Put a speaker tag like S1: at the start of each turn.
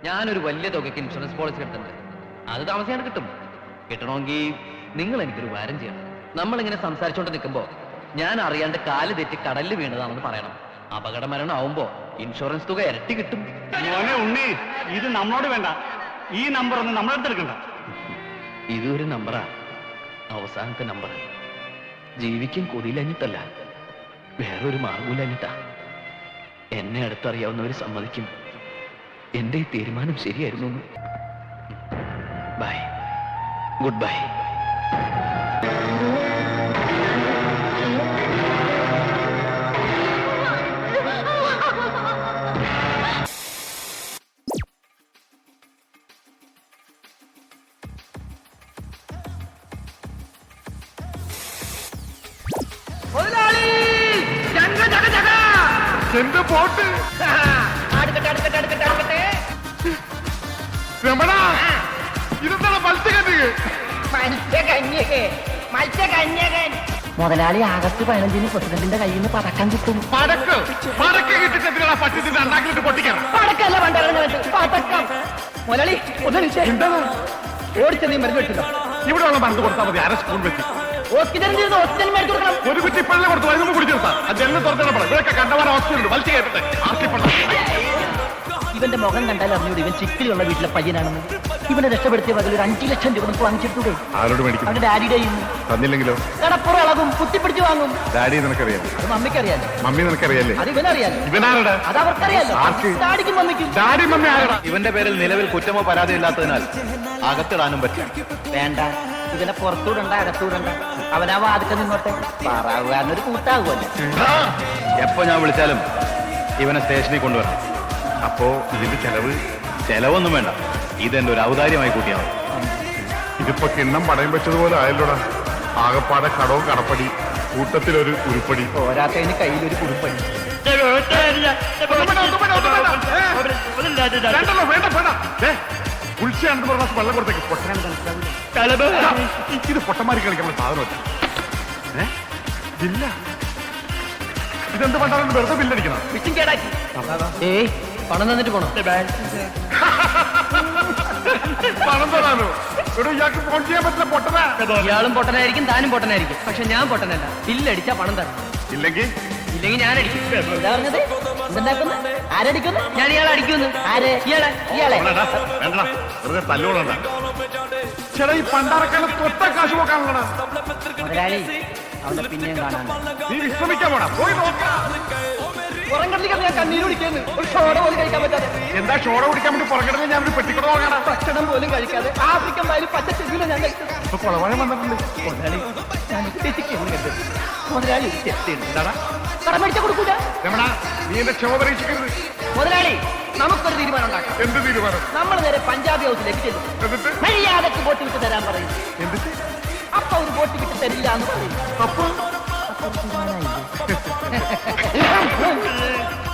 S1: ഞാനൊരു വലിയ തുകയ്ക്ക് ഇൻഷുറൻസ് പോളിസി എടുത്തിട്ടുണ്ട്. അത് താമസിയാണ്ട് കിട്ടും. കിട്ടണമെങ്കിൽ നിങ്ങൾ എനിക്കൊരു വാരം ചെയ്യണം. നമ്മളിങ്ങനെ സംസാരിച്ചോണ്ട് നിൽക്കുമ്പോ ഞാൻ അറിയാണ്ട് കാല് തെറ്റി കടലിൽ വീണതാണെന്ന് പറയണം. അപകട മരണം ആവുമ്പോ ഇൻഷുറൻസ് തുക ഇരട്ടി കിട്ടും.
S2: ഉണ്ണി, ഇത് നമ്മളോട് വേണ്ട. ഈ നമ്പർ ഒന്നും നമ്മളെടുത്തെടുക്കണ്ട.
S1: ഇതൊരു നമ്പറാ, അവസാനത്തെ നമ്പർ. ജീവിക്കാൻ കൊതിയിലഞ്ഞിട്ടല്ല, വേറൊരു മാർഗമില്ലഞ്ഞിട്ടാ. എന്നെ അടുത്തറിയാവുന്നവർ സമ്മതിക്കും എന്റെ ഈ തീരുമാനം ശരിയായിരുന്നു. Bye, good bye.
S3: എന്റെ പോട്ട് രമണ, ഇതെന്താണ്
S4: മത്സ്യകന്യകൻ? മുതലാളി ആഗസ്റ്റ് 15 പ്രസിഡന്റിന്റെ കയ്യിൽ നിന്ന് പടക്കം കിട്ടും.
S3: പട്ടിന്റെ അണ്ണാക്കിലിട്ട് പൊട്ടിക്കണം.
S4: പടക്കല്ല പടക്കം. മുതലാളി ഓടിച്ചെന്നീ മരുന്ന് വെച്ചില്ല.
S3: ഇവിടെ ഉള്ള മരുന്ന് കൊടുത്താൽ മതി. അര സ്പൂൺ വെച്ച്
S4: ഹോസ്പിറ്റലിൽ ഹോസ്പിറ്റലിൽ മരുന്ന് കൊടുക്കണം.
S3: ഒരു കുറ്റി പള്ളം കൊടുത്തു മരുന്ന് കുടിച്ചെടുത്താ ജനലിൽ തുറന്നിടണം. ഇവരൊക്കെ കണ്ടവാൻ ഹോസ്പിറ്റലുണ്ട്. വലിച്ചു കേട്ടെ.
S4: ഇവന്റെ മുഖം കണ്ടാൽ അറിഞ്ഞൂടെ ഇവൻ ചിക്കിലുള്ള വീട്ടിലെ പയ്യനാണെന്ന്. ഇവനെ രക്ഷപ്പെടുത്തിയ പകൽ ഒരു 5 ലക്ഷം രൂപ നമുക്ക് വാങ്ങിച്ചിട്ടൂടെ?
S3: ആരോട് മേടിക്കും?
S4: അവന്റെ ഡാഡിയുടെ
S3: തന്നില്ലെങ്കിലോ?
S4: കടപ്പുറം ഇളകും, കുത്തിപ്പിടിച്ച് വാങ്ങും.
S3: ഡാഡി നിനക്കറിയാം?
S4: അത് മമ്മിക്കറിയാലോ.
S3: മമ്മി നിനക്കറിയാലേ?
S4: അത് ഇവനറിയാലോ.
S3: ഇവനാരുടെ?
S4: അത് അവർക്കറിയാലോ. ഡാഡിക്കും മമ്മിക്കും.
S3: ഡാഡി മമ്മി ആരാ?
S1: ഇവന്റെ പേരിൽ നിലവിൽ കുറ്റമോ പരാതിയോ ഇല്ലാത്തതിനാൽ അകത്തിടാനും പറ്റും.
S4: വേണ്ട, ഇവനെ പുറത്തൂടണ്ട, അകത്തൂടണ്ട. അവനാ വാതിക്ക നിന്നോട്ടെ. പാറാവുകാരനൊരു കൂട്ടാകുമല്ലോ.
S1: എപ്പോ ഞാൻ വിളിച്ചാലും ഇവനെ സ്റ്റേഷനിൽ കൊണ്ടുവരണം.
S3: അപ്പോ ഇതിന്റെ
S1: ചെലവൊന്നും വേണ്ട. ഇതെന്റെ ഒരു ഔദാര്യമായി കൂട്ടിയാൽ മതി.
S3: ഇതിപ്പോ കിണ്ണം പടയം വെച്ചതുപോലെ ആയല്ലോടാ. ആകപ്പാടെ കടവും കടപ്പടി, കൂട്ടത്തിലൊരു ഉരുപ്പടി.
S4: പോരാത്തതിന് കയ്യിലൊരു കുറിപ്പടി.
S3: ഉൾച്ചയാണെന്ന് പറഞ്ഞ വെള്ളം കൊടുത്തേക്ക്. പൊട്ടനാണ് മനസ്സിലാവില്ല. ഇത് പൊട്ടന്മാരി കളിക്കാനുള്ള സാധനമല്ല. ഇല്ല, ഇതെന്ത് പണ്ടാലും വെറുതെ ബില്ലടിക്കണം.
S4: ഏയ്, പണം തന്നിട്ട് പോണോ?
S3: പണം തരാനോ? ഇവിടെ ഇയാൾക്ക് ഫോൺ ചെയ്യാൻ പറ്റില്ല. പൊട്ടനാ.
S4: ഇയാളും പൊട്ടനായിരിക്കും, താനും പൊട്ടനായിരിക്കും. പക്ഷെ ഞാൻ പൊട്ടനല്ല. ബില്ലടിച്ചാ പണം തരണം.
S3: ഇല്ലെങ്കിൽ
S4: ഞാൻ അടിക്കും. എന്താ പറഞ്ഞത്? എന്തുണ്ടാക്കുന്നു? ആരടിക്കുന്നു? ഞാൻ ഇയാളെ അടിക്കുന്നു. ആര്? ഇയാളെ.
S3: വേണ്ട, വെറുതെ തല്ലുകൊള്ളണ്ട. ചേട്ടാ, ഈ പണ്ടാറക്കാലം തൊട്ട കാശ് പോക്കാണല്ലോ.
S4: മുതലാളി, അവന്റെ പിന്നെയും കാണാൻ.
S3: നീ വിശ്രമിക്കാൻ പോടാ. പോയി നോക്കാം.
S4: ഞാൻ കണ്ണീര് കുടിക്കുന്നു. ഒരു ഷോട പോലും കഴിക്കാൻ പറ്റാതെ.
S3: എന്താ ഷോട കുടിക്കാൻ വേണ്ടി പുറകിടന്ന് ഞാൻ ഒരു പെട്ടിക്കൂടെ നോക്കണം.
S4: ഭക്ഷണം പോലും കഴിക്കാതെ ആഫ്രിക്കൻ വായിൽ പച്ച ചെവിയില ഞാൻ കഴിക്കും.
S3: ഇപ്പൊ കുളവാഴം വന്നിട്ടുണ്ട്.
S4: മുതലാളി, ഞാൻ മുതലാളി കടം മേടിച്ച കൊടുക്കൂല.
S3: രമണ, നീ എന്റെ ക്ഷമ പരീക്ഷിക്കരുത്.
S4: മുതലാളി, നമുക്കൊരു തീരുമാനം ഉണ്ടാക്കാം.
S3: എന്ത് തീരുമാനം?
S4: നമ്മൾ നേരെ പഞ്ചാബി ഹൗസിലേക്ക് ചെല്ലും.
S3: എന്നിട്ട്
S4: മര്യാദക്ക് ബോട്ട് വിട്ട് തരാൻ പറയും.
S3: എന്നിട്ട്
S4: അപ്പൊ ഒരു ബോട്ട് വിട്ട് തരില്ല എന്ന് പറയും.
S3: അപ്പൊ